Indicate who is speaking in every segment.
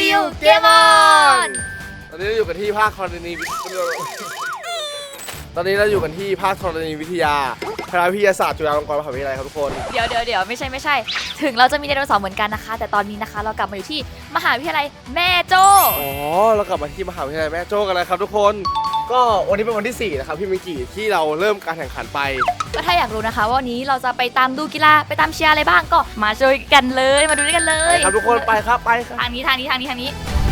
Speaker 1: CU เกมอน
Speaker 2: ตอนนี้เราอยู่กันที่ภาคธรณีตอนนี้เราอยู่กันที่ภาคธรณีวิทยาคณะวิทยาศาสตร์จุฬาลงกรณ์มหาวิทยาลัยครับทุกคน
Speaker 1: เดี๋ยวไม่ใช่ ถึงเราจะมีไดโนเสาร์เหมือนกันนะคะ แต่ตอนนี้นะคะเรากลับมาอยู่ที่มหาวิทยาลัยแม่โจ้
Speaker 2: อ๋อเรากลับมาที่มหาวิทยาลัยแม่โจ้กันแล้วครับทุกคนก็วันนี้เป็นวันที่4นะครับพี่มิงกี้ที่เราเริ่มการแข่งขันไป
Speaker 1: ก็ถ้าอยากรู้นะคะว่าวันนี้เราจะไปตามดูกีฬาไปตามเชียร์อะไรบ้างก็มาช่วยกันเลยมาดูด้วยกันเล
Speaker 2: ไป
Speaker 1: ย
Speaker 2: ครับทุกคนไปครับไปครับ
Speaker 1: ทางนี้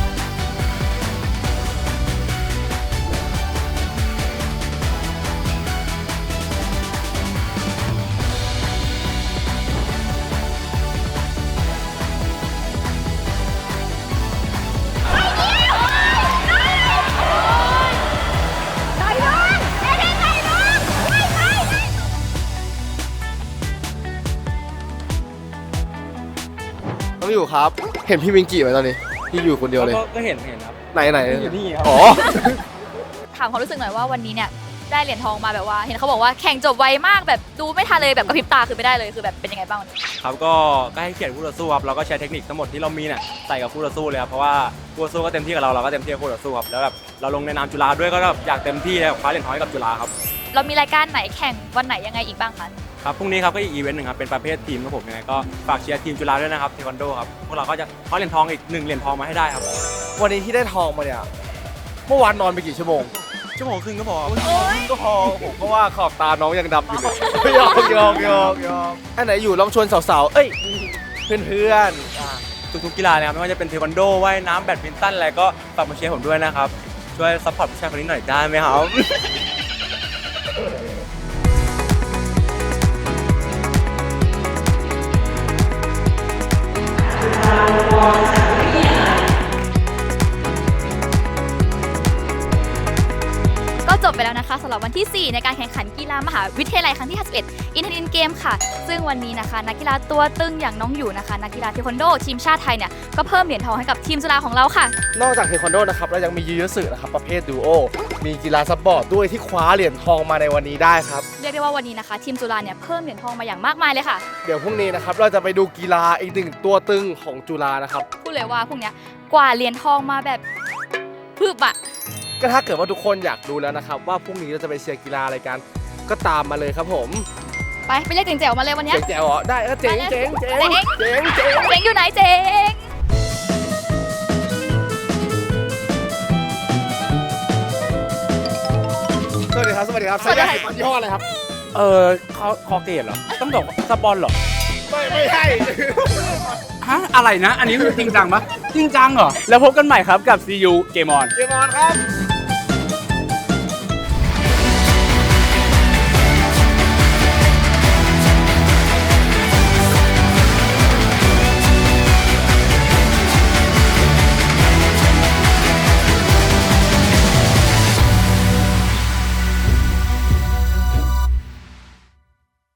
Speaker 2: ต้องอยู่ครับเห็นพี่มิงกี้ไหมตอนนี้พี่อยู่คนเดียวเลย
Speaker 3: ก็เห็นครับ
Speaker 2: ไหน
Speaker 3: อยู่นี่ครับ
Speaker 2: อ๋อ
Speaker 1: ถามความรู้สึกหน่อยว่าวันนี้เนี่ยได้เหรียญทองมาแบบว่าเห็นเขาบอกว่าแข่งจบไวมากแบบดูไม่ทันเลยแบบกระพริบตาคือไม่ได้เลยคือแบบเป็นยังไงบ้างวันนี้
Speaker 3: ครับก็ให้เกียรติคู่ต่อสู้ครับเราก็ใช้เทคนิคทั้งหมดที่เรามีเนี่ยใส่กับคู่ต่อสู้เลยครับเพราะว่าคู่ต่อสู้ก็เต็มที่กับเราก็เต็มที่กับคู่ต่อสู้ครับแล้วแบบเราลงในนามจุฬาด้วยก็แบบอยากเต็มที่เลยคว้าเหรียญทองให้กับจุฬาครับ
Speaker 1: เรามีรายการไหนแข่งวันไหนยังไงอีกบ้างคะ
Speaker 3: ครับพรุ่งนี้ครับก็อีกอีเวนต์หนึ่งครับเป็นประเภททีมครับผมยังไงก็ฝากเชียร์ทีมจุฬาด้วยนะครับเทควันโดครับพวกเราก็จะคว้าเหรียญทองอีก1เหรียญทองมาให้ได้ครับ
Speaker 2: วันนี้ที่ได้ทองมาเนี่ยเมื่อวานนอนไปกี่ชั่วโมง
Speaker 3: ชั่วโมงครึ่งก็พอ
Speaker 2: ก็พอผมก็ว่าขอบตาน้องยังดำอยู่เลยยอกอันไหนอยู่ลองชวนสาวๆเอ้ยเพื่อนๆ
Speaker 3: ทุกๆกีฬาเลยครับไม่ว่าจะเป็นเทควันโดว่ายน้ำแบดมินตันอะไรก็ฝากมาเชียร์ผมด้วยนะครับช่วยซัพพอร์ตผู้ชายคนนี้หน่อยได้ไหมครับ
Speaker 1: ก็จบไปแล้วนะคะสำหรับวันที่ 4 ในการแข่งขันกีฬามหาวิทยาลัยครั้งที่ 51 อินเทอร์เน็ตเกมค่ะซึ่งวันนี้นะคะนักกีฬาตัวตึงอย่างน้องอยู่นะคะนักกีฬาเทควันโดทีมชาติไทยเนี่ยก็เพิ่มเหรียญทองให้กับทีมจุฬาของเราค่ะ
Speaker 2: นอกจากเทควันโดนะครับเรายังมียูยิสึนะครับประเภทดูโอมีกีฬาซับบอร์ดด้วยที่คว้าเหรียญทองมาในวันนี้ได้ครับ
Speaker 1: เรียกได้ว่าวันนี้นะคะทีมจุฬาเนี่ยเพิ่มเหรียญทองมาอย่างมากมายเลยค่ะ
Speaker 2: เดี๋ยวพรุ่งนี้นะครับเราจะไปดูกีฬาอีกหนึ่งตัวตึงของจุฬานะครับ
Speaker 1: พูดเลยว่าพวกเนี้ยกว่าเหรียญทองมาแบบพึบอะ
Speaker 2: ก็ถ้าเกิดว่าทุกคนอยากรู้แล้วนะครับว่าพรุ่งนี้เราจะไปเชียร์กีฬาอะไรกันก็ตามมาเลยครับผม
Speaker 1: ไปเรียกเจ๋งๆมาเลยวันเนี้ย
Speaker 2: เจ๋งๆเหรอได้ก็เจ๋งเจ๋งเจ๋งเจ๋งเจ๋ง
Speaker 1: เจ๋งอยู่ไหนเจ๋ง
Speaker 2: สวัสดีครับใช้ยาสีฟันยี่ห้ออะไรครับ
Speaker 3: คอเกตเหรอต้องบอกสปอนเหรอ
Speaker 2: ไม่ใช่
Speaker 3: ฮะอะไรนะ อันนี้คือจริงจังปะจริงจังเหรอแล้วพบกันใหม่ครับกับ CU เกมอน
Speaker 2: เกมอนครับ